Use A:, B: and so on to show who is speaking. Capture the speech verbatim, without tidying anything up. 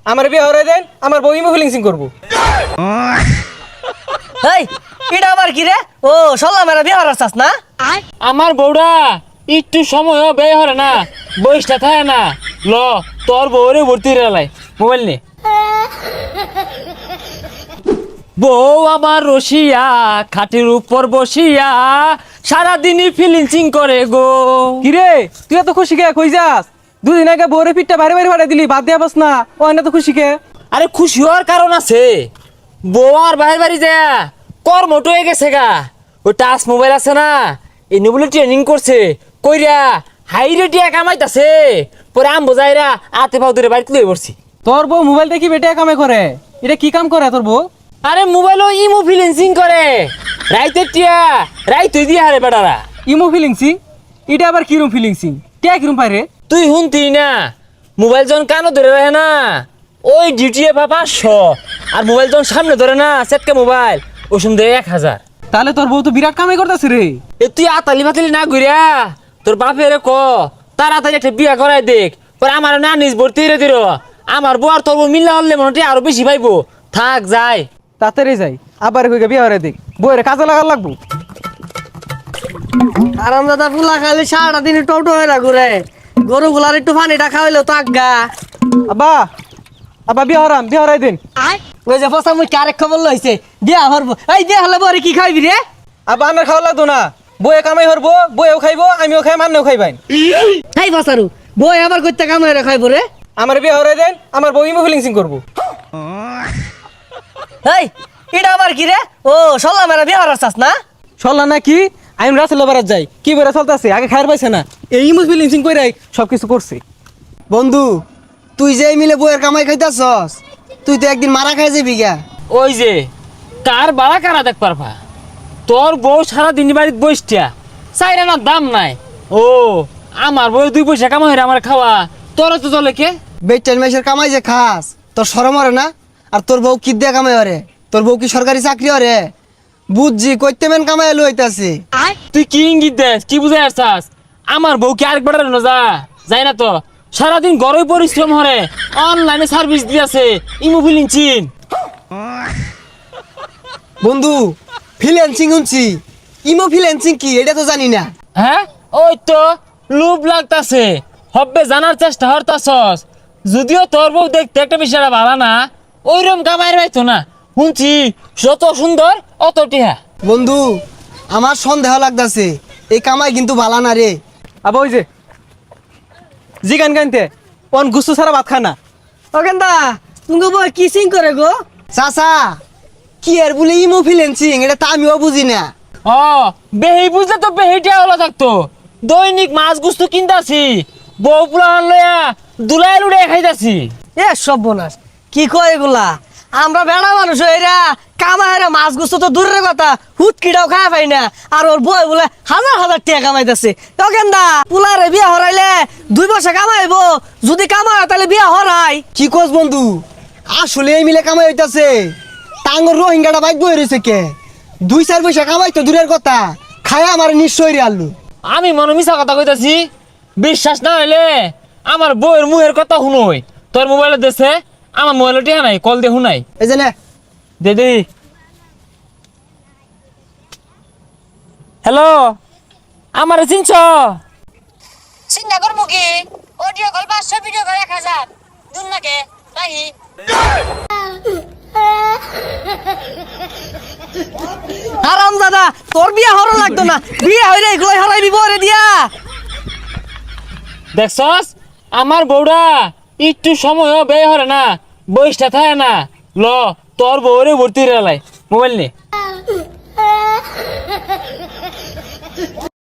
A: আমার বিয়ে হরে দেন, আমার বউ ইমো ফিলিংসিং করবো।
B: এই এটা আবার কি রে? ও সল্লা মেরা বিয়ে হরার চাস না?
C: আমার বউরা একটু সময়ও ব্যয় হরে না, বয়সটা থাকে না। ল তোর বউরে ভর্তি রেলাই মোবাইল নে। বউ আমার রসিয়া খাটের উপর বসিয়া সারাদিনই ফিলিংসিং করে গো।
A: কিরে তুই এত খুশি কে? কই যাস? দুদিন আগে বউরে পিঠটা ভারী ভারী ফাটাই দিলি, বাদ দিয়া বাস না। ও না তো খুশি কে?
C: আরে খুশি হওয়ার কারণ আছে। বউ আর বাইরে বাড়ি যায় কর্মটো হয়ে গেছে গা। ওই টাচ মোবাইল আছে না, এই বলে ট্রেনিং করছে কইরা হাই রেটিয়া কামাইতাছে। পরে আম বোঝাইরা আতে পাও ধরে বাড়িতে লয়ে পড়ছি।
A: তোর বউ মোবাইল দেখি বেটে কামে করে? এটা কি কাম করে তোর বউ?
C: আরে মোবাইলও ইমো ফিলিংসিং করে রাইতে টিয়া রাইতে দিয়ে হারে বেটারা।
A: ইমো ফিলিংসিং? এটা আবার কিরম ফিলিংসিং? কে কিরম পারে?
C: তুই শুনতি না, মোবাইল যখন কানো ধরে রাখে না ওই ডিউটি পা পাঁচশো, আর মোবাইল যখন সামনে ধরে না সেটকে মোবাইল ওই সন্ধ্যে এক হাজার।
A: তাহলে তোর বউ তো বিরাট কামাই করতেছে রে।
C: এ তুই আতালি বাতালি না ঘুরিয়া তোর বাপেরে ক তাড়াতাড়ি একটা বিয়া করাই দেখ। পরে আমার না নিজ ভর্তি রে দিল। আমার বউ আর তোর বউ মিল্লা হলে মনে হয় আরো বেশি পাইবো। থাক যাই
A: তাড়াতাড়ি যাই, আবার কই বিয়ে হরে দেখ, বউরে কাজে লাগার লাগবো।
B: আরাম দাদা পুলা খালি সারাটা দিন টোটো হয়ে না ঘুরে, গরু গুলার একটু পানিটা খাওয়াইলো তো আজ্ঞা।
A: আব্বা আব্বা বিয়ে হরাম, বিয়ে হরাই দিন।
B: ওই যে ফসা মুই আরেক খবর লইছে বিয়া হরবো। এই বিয়া হলে বরে কি খাইবি রে?
A: আব্বা আমার খাওয়া লাগতো না, বউয়ে কামাই হরবো, বউয়েও খাইবো, আমিও খাই, মান্নেও খাইবাই।
B: এই ফসারু বই আবার কইতে কাম হয়ে খাইবো রে?
A: আমার বিয়ে হরাই দেন, আমার বউ ইমো ফিলিংসিং করবো।
B: এই এটা আবার কি রে? ও সল্লা মেরা বিয়া হরার চাস না?
A: চললা না কি? আমি রাসেল বারাত যাই, কি বেড়া চলতেছে, আগে খায়ার পাইছে না, এই ইমো ফিলিংসিং কইরাই সবকিছু করছে।
D: বন্ধু তুই যে মিলে বইয়ের কামাই খাইতাছস, তুই তো একদিন মারা খাই যাবি গা।
C: ওই যে কার বাড়া কারা দেখ পারবা। তোর বউ সারা দিন বাড়িতে বসটিয়া চাইরা না দাম নাই। ও আমার বউ দুই পয়সা কামাই হইরা আমার খাওয়া, তোর তো চলে কে?
D: বেটার মেসের কামাই যে খাস তোর শরম হরে না? আর তোর বউ কি দিয়ে কামাই হরে? তোর বউ কি সরকারি চাকরি হরে? বুঝছি কইতে মেন কামাই লইতাছে।
C: তুই কি ইঙ্গিত দেস, কি বুঝাই আসছাস? আমার বউ কি আরেক বেড়ার যা যাই না তো, সারাদিন গরমে পরিশ্রম হরে, অনলাইনে সার্ভিস দিয়েছে ইমো ফিলিংসিং।
D: বন্ধু ফ্রিল্যান্সিং শুনছি, ইমো ফ্রিল্যান্সিং কি এটা তো জানি না।
C: হ্যাঁ ওই তো লুপ লাগতাছে, হব্বে জানার চেষ্টা হরতাছস। যদিও তোর বউ দেখতে একটা বিষয়টা ভালো না, ওইরকম কামাই রাইতো না। শুনছি যত সুন্দর অত টিহা।
D: বন্ধু আমার সন্দেহ লাগতাছে এই কামাই কিন্তু ভালো না রে।
A: আবার ওই যে জি গান গানতে অন গুসু ছাড়া ভাত খানা।
B: ও কেন্দা তুমি বই কি সিং করে গো?
D: চাচা কি আর বলে ইমো ফ্রিল্যান্সিং এটা তো আমিও বুঝি না।
C: ও বেহি বুঝলে তো বেহিটা হলো থাকতো। দৈনিক মাছ গুস্তু কিনতাছি, বউ পুলান লইয়া দুলাই লুড়ে খাইতাছি।
B: এ সব বোনাস কি কয় এগুলা? আমরা বেড়া মানুষ এরা কামাইরা মাছ গুছো তো দূরের কথা, হুটকিটাও খাওয়া পাই না। আর ওর বই বলে হাজার হাজার টাকা কামাইতেছে। তো কেন্দা পুলারে বিয়া হরাইলে দুই বছর কামাইবো, যদি কামাই তাহলে বিয়া হরাই।
D: কি কস বন্ধু আসলে এই মিলে কামাই হইতাছে? টাঙ্গর রোহিঙ্গাটা বাইক বই রয়েছে কে? দুই চার পয়সা কামাই তো দূরের কথা, খায় আমার নিশ্চয় রে আল্লু।
C: আমি মনে মিছা কথা কইতাছি? বিশ্বাস না হইলে আমার বউয়ের মুহের কথা শুনই। তোর মোবাইলে দেশে আমার মোবাইলে টিহা নাই, কল দিয়ে শুনাই।
D: এই যে নে
C: দিদি হ্যালো, আমার চিনছ?
E: চিন্তা করবো কি? অডিও কল পাঁচশো, ভিডিও কল এক হাজার। দুন নাকে রাহি
B: আরাম দাদা তোর বিয়া হরো লাগতো না, বিয়া হইলে এগুলোই হরাইবি বরে দিয়া।
C: দেখছস আমার বউরা একটু সময়ও ব্যয় হরে না, বয়সটা থাকে না। ল তোর বউরে ভর্তি রেলাই মোবাইল নে।